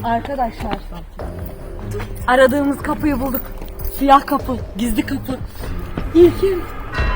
Arkadaşlar aradığımız kapıyı bulduk. Siyah kapı, gizli kapı. İlkim.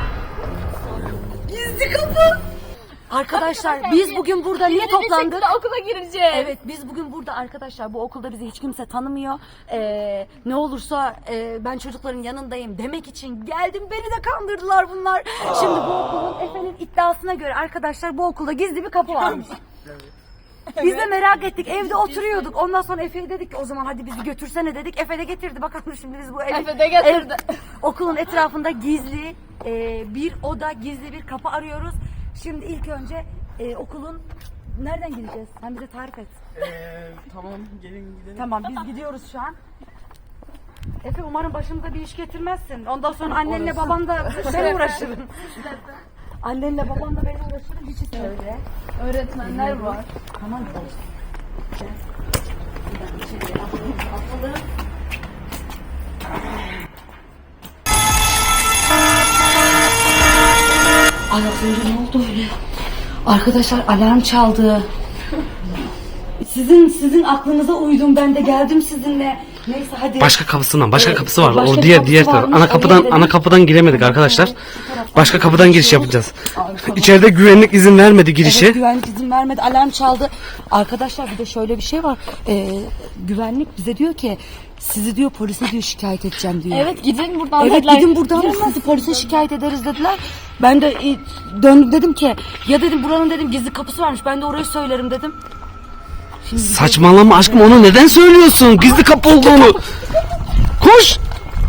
Gizli kapı. Arkadaşlar biz bugün burada niye toplandık? Okula gireceğiz. Evet biz bugün burada arkadaşlar bu okulda bizi hiç kimse tanımıyor. Ne olursa ben çocukların yanındayım demek için geldim. Beni de kandırdılar bunlar. Şimdi bu okulun Efe'nin iddiasına göre arkadaşlar bu okulda gizli bir kapı varmış. Biz de merak ettik. Evde oturuyorduk. Ondan sonra Efe'ye dedik ki o zaman hadi bizi götürsene dedik. Efe de getirdi. Bakalım şimdi biz bu Efe de getirdi. okulun etrafında gizli bir oda, gizli bir kapı arıyoruz. Şimdi ilk önce okulun nereden gideceğiz? Sen bize tarif et. Tamam gelin gidelim. Tamam biz gidiyoruz şu an. Efe umarım başımıza bir iş getirmezsin. Ondan sonra annenle baban da ben uğraşırım. Annenle baban da ben uğraşırım. Hiç söyle. Öğretmenler var. Tamam çalışsın. Atalım. Ay az önce ne oldu öyle? Arkadaşlar alarm çaldı. Sizin aklınıza uydum ben de geldim sizinle. Neyse hadi. Başka kapısından, başka kapısı var. Başka O diğer kapısı taraf. varmış, Ana kapıdan giremedik arkadaşlar. Başka kapıdan giriş yapacağız. İçeride güvenlik izin vermedi girişe. Evet, güvenlik izin vermedi. Alarm çaldı. Arkadaşlar bir de şöyle bir şey var. Güvenlik bize diyor ki sizi diyor polise diyor şikayet edeceğim diyor. Evet gidin buradan. Evet gidin buradan sizi polise şikayet ederiz dediler. Ben de döndüm dedim ki ya dedim buranın dedim gizli kapısı varmış. Ben de orayı söylerim dedim. Şimdi Saçmalama aşkım, onu neden söylüyorsun? Gizli kapı olduğunu. Koş.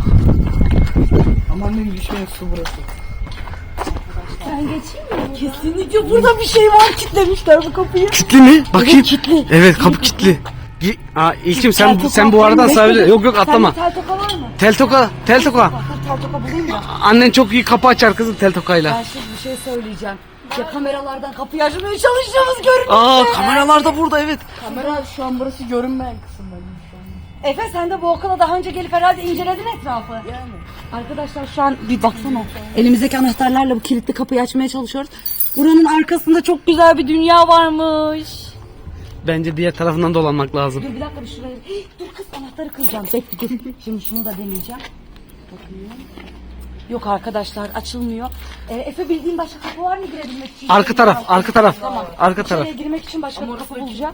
Aman ne düşmeyin, su burası. Ben geçeyim mi? kesinlikle burada bir şey var, kilitlemişler bu kapıyı. Kilitli mi? Bakayım. Evet, kilitli. Evet, kapı kilitli. İlkim sen bu aradan sahile. Yok atlama. Tel toka var mı? Tel toka. Tel toka bulayım mı? Annen çok iyi kapı açar kızım tel tokayla. Ben şimdi bir şey söyleyeceğim. Ya kameralardan kapıyı açmaya çalışıyoruz görünüyor. Kameralar da burada evet. Kamera şu an burası görünmeyen kısım benim şu an. Efe sen de bu okula daha önce gelip herhalde inceledin etrafı. Yani. Arkadaşlar şu an bir baksana. Elimizdeki anahtarlarla bu kilitli kapıyı açmaya çalışıyoruz. Buranın arkasında çok güzel bir dünya varmış. Bence diğer tarafından dolanmak lazım. Dur bir dakika bir şuraya. Dur kız anahtarı kıracağım. Bekle dur. Şimdi şunu da deneyeceğim. Bakayım. Yok arkadaşlar açılmıyor. Efe bildiğin başka kapı var mı girebilmek için? Arka taraf. Tamam. Arka taraf. İçeriye girmek için başka bir kapı bulacağım.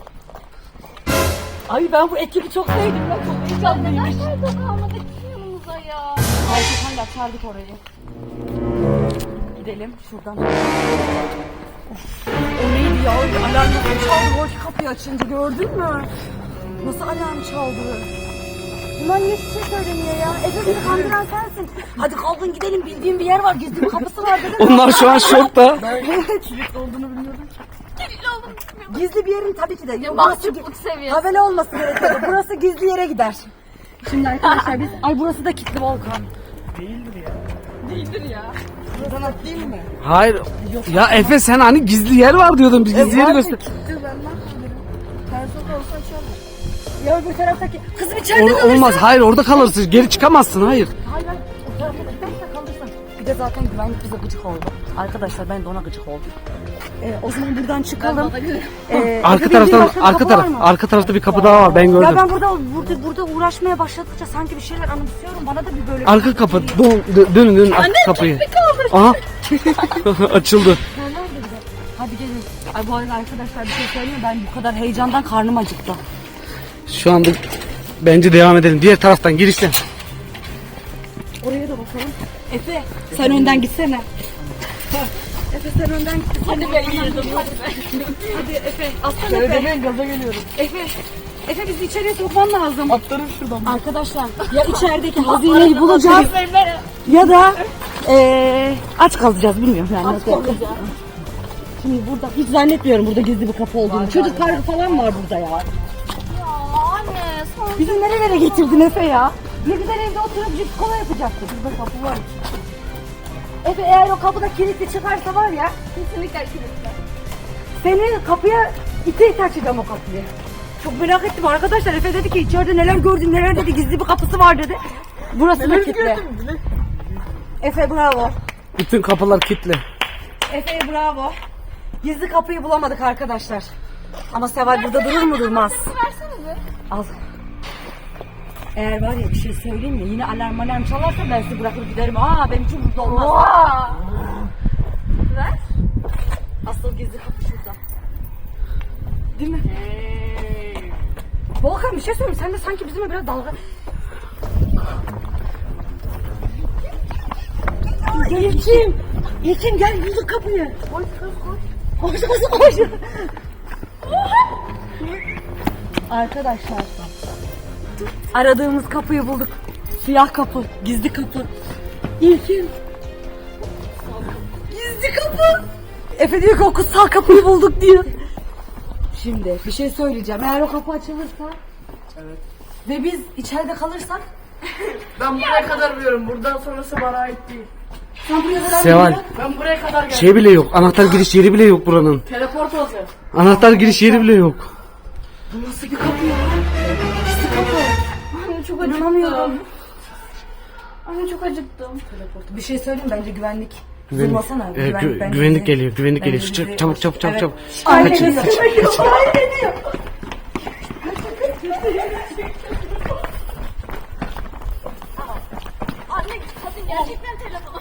Ay ben bu ekibi çok sevdim. Ben çok heyecanlıyım. Neden tel toka almadık yanımıza ya? Ayşe'den de açardık orayı. Gidelim şuradan. Of, o neydi ya? Alarm nasıl çaldı? O kapıyı açınca gördün mü? Nasıl alarm çaldı? Bunlar niye hiçbir şey söylemiyor ya? Efe beni kandıran sensin. Hadi kalkın gidelim, bildiğim bir yer var. Gizli bir kapısı var dedim. Onlar şu an şokta. Kilit olduğunu bilmiyordum. Gizli bir yerin tabii ki de. Ya, Mahcupluk seviyesi. Tabela olması gerekiyor. Burası gizli yere gider. Şimdi arkadaşlar biz... Ay burası da kilitli Volkan. Değildir ya. Buradan atlayayım mı? Hayır. Ya Efe sen hani gizli yer var diyordun. Biz gizli yeri göster. Kilitli ben ne yapabilirim? Ters olsa açarım. Ya öbür taraftaki... Kızım içeride kalırsın. Olmaz. Hayır orada kalırsın. Geri çıkamazsın. Hayır. Hayır hayır. O tarafa giderse kalırsın. Bir de zaten güvenlik bize gıcık oldu. Arkadaşlar ben de ona gıcık oldum. O zaman buradan çıkalım. Arka tarafta bir kapı daha var. Ben gördüm. Ya ben burada uğraşmaya başladıkça sanki bir şeyler anımsıyorum. Bana da bir böyle... Arka kapı. Dönün arka kapıyı. Aha. Açıldı. Hadi gelin. Ay bu arada arkadaşlar bir şey söyleyeyim mi? Ben bu kadar heyecandan karnım acıktı. Şu anda bence devam edelim. Diğer taraftan girişten. Oraya da bakalım. Efe sen önden gitsene. Efe sen önden git. Hadi ben girdim. Hadi Efe aslan Şöyle Efe. demeyin, gaza geliyorum. Efe bizi içeriye sokman lazım. Atlarım şuradan. Arkadaşlar ya içerideki hazineyi bulacağız ya da aç kalacağız bilmiyorum yani. Aç kalacağız. Şimdi burada hiç zannetmiyorum burada gizli bir kapı olduğunu. Çocuk parkı falan var burada ya. Ya anne son. Bizi nerelere getirdin Efe ya? Ne güzel evde oturup cips kola yapacaktık. Burada kapı var. Efe eğer o kapıda kilitli çıkarsa var ya Kesinlikle kilitli. seni kapıya ite açacağım o kapıyı. Çok merak ettim arkadaşlar. Efe dedi ki içeride neler gördün neler dedi gizli bir kapısı var dedi. Burası da kilitli. Efe bravo. Bütün kapılar kilitli. Efe bravo. Gizli kapıyı bulamadık arkadaşlar. Ama Seval burada durur mu durmaz. Versene bir. Al. Eğer var ya bir şey söyleyeyim mi? Yine alarm çalarsa ben sizi bırakır giderim. Benim için mutlu olmaz. Ver. Asıl gizli kapı şurada. Değil mi? Volkan bir şey söyleyeyim. Sen de sanki bizimle biraz dalga... Gel İlkim. İlkim gel bulduk kapıyı. Koş. Arkadaşlar. Aradığımız kapıyı bulduk. Siyah kapı, gizli kapı. İlkim. Gizli kapı. Efe diyor ki o kutsal kapıyı bulduk diyor. Şimdi bir şey söyleyeceğim. Eğer o kapı açılırsa ve biz içeride kalırsak Ben buraya kadar biliyorum. Buradan sonrası bana ait değil. sen buraya kadar Seval. geliyor. Ben buraya kadar geldim. Şey bile yok. Anahtar giriş yeri bile yok buranın. Teleport olacağız. Anahtar giriş yeri bile yok. Bu nasıl bir kapı ya? Gizli kapı. Anne çok İnanamıyorum. acıktım. Anne çok acıktım. Bir şey söyleyeyim bence güvenlik. Güvenlik, Zırlasana. Bence güvenlik bizi- geliyor. Güvenlik bence geliyor. bizi- Çabuk çabuk çabuk Evet. çabuk. Aynen Kaçın. ediyor. Aynen ediyor. Anne kadın gerçekten telefona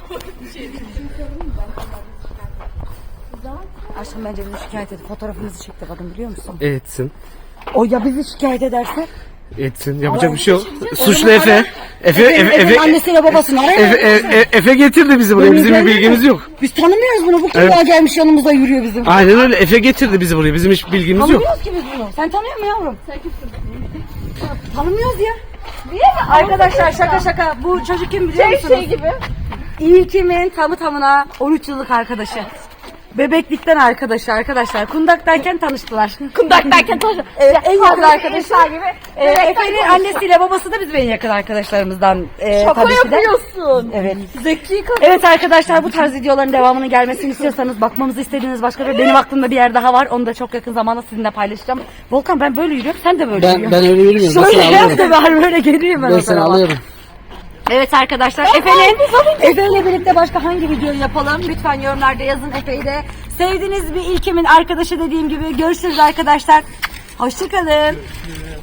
Aşkım bence bizi şikayet edip fotoğrafımızı çekti kadın biliyor musun? Etsin. O ya bizi şikayet ederse? Etsin. Yapacak bir şey yok. Suçlu Efe. Efe'nin annesiyle babasını arayın. Efe getirdi bizi buraya. Bizim bir bilgimiz yok. Biz tanımıyoruz bunu. Bu kim Evet. daha gelmiş yanımızda yürüyor bizim. Aynen öyle. Efe getirdi bizi buraya. Bizim hiç bilgimiz yok. Tanımıyoruz ki biz bunu. Sen tanıyor musun yavrum? Sen kimsin? Tanımıyoruz ya. Niye mi? Arkadaşlar şaka. Bu çocuk kim biliyor musunuz? Şey gibi. İlkim'in tamına 13 yıllık arkadaşı. Bebeklikten arkadaşlar. Kundaktayken tanıştılar. Kundaktayken tanıştık. Evet, en yakın arkadaşı. Eşya gibi. Efe'nin annesiyle babası da bizim en yakın arkadaşlarımızdan. Şaka tabii ki de. yapıyorsun. Evet. Zeki kadın. Evet arkadaşlar bu tarz videoların devamının gelmesini istiyorsanız bakmamızı istediğiniz başka bir benim aklımda bir yer daha var. Onu da çok yakın zamanda sizinle paylaşacağım. Volkan ben böyle yürüyorum sen de böyle yürüyorsun. öyle yürümüyorum. Şöyle yap da ben böyle geleyim ben o tarafa. Evet arkadaşlar Efe'yle birlikte başka hangi videoyu yapalım? Lütfen yorumlarda yazın Efe'yi de. Sevdiğiniz bir ilkimin arkadaşı dediğim gibi görüşürüz arkadaşlar. Hoşçakalın.